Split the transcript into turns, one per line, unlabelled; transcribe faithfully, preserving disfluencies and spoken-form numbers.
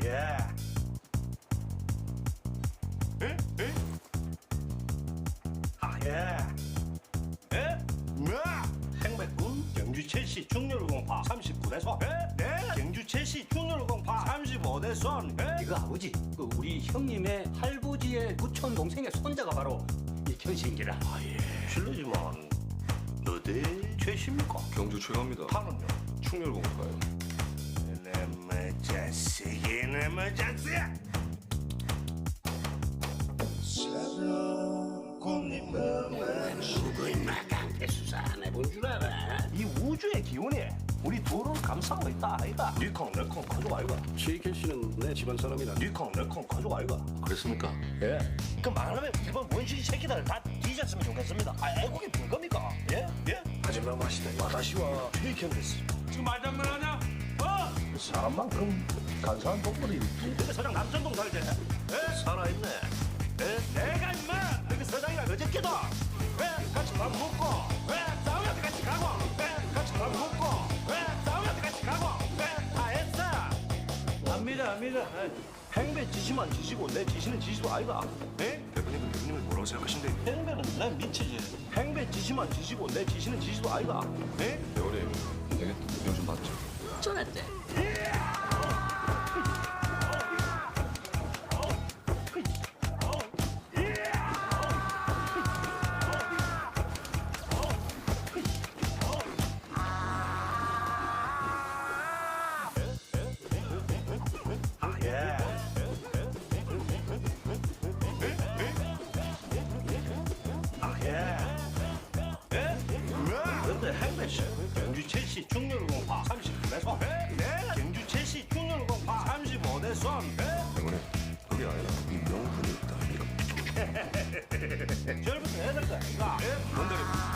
예. 에? 에? 아, 예. 에? 뭐야? 행백군 경주 첼시 중률공파 삼십구 대 손. 에? 네? 경주 첼시 중률공파 삼십오 대 손. 에?
이거 아버지, 그 우리 형님의 할부지의 부촌 동생의 손자가 바로 이 경신기라.
아, 예. 실례지만 어디 최십니까?
경주 최강입니다.
파는요?
충렬공파요.
이놈의 자식, 이놈의 자식!
누구 임마 깡패 수사 안 해본 줄 알아?
이 우주의 기운이 우리 둘을 감싸고 있다 아이가. 니캉 내캉 가족 아이가.
최익현 씨는 내 집안 사람이라.
니캉 내캉 가족 아이가.
그랬습니까?
예. 그 말하면 이번 원숭이 새끼들 다 뒤졌으면 좋겠습니다. 아, 애국이 뭘 겁니까? 예? 예?
하지마 마시다.
와다시와 최익현 됐어.
지금 말장난하냐? 어?
사람만큼 간사한 동물이 그 서장 남천동 살지? 예? 살아있네. 예? 내가 임마 그 서장이랑 어저께도 왜 같이 밥 먹고 왜 싸우면 같이 가고 왜 같이 밥 먹고 왜 싸우면 같이 가고 왜 다 했어. 압니다 압니다. 행배 지시만 지시고 내 지시는 지시도 아이가. 예?
대표님은 대표님을 뭐라고 생각하신대?
행배는 내 미치지. 행배 지시만 지시고 내 지시는 지시도 아이가. 예?
대원님, 내게 요즘 맞죠?
전했대.
아, 예. 아, 예. 예? 근데 행배씨 경주 첼시 중률공파 삼십구 대 손. 네? 경주 첼시 중률공파 삼십오 대 손.
대원님, 그게 아니라 이 명분이 있다. 이거.
절부터 해야 될 거 아닌가?
뭔데?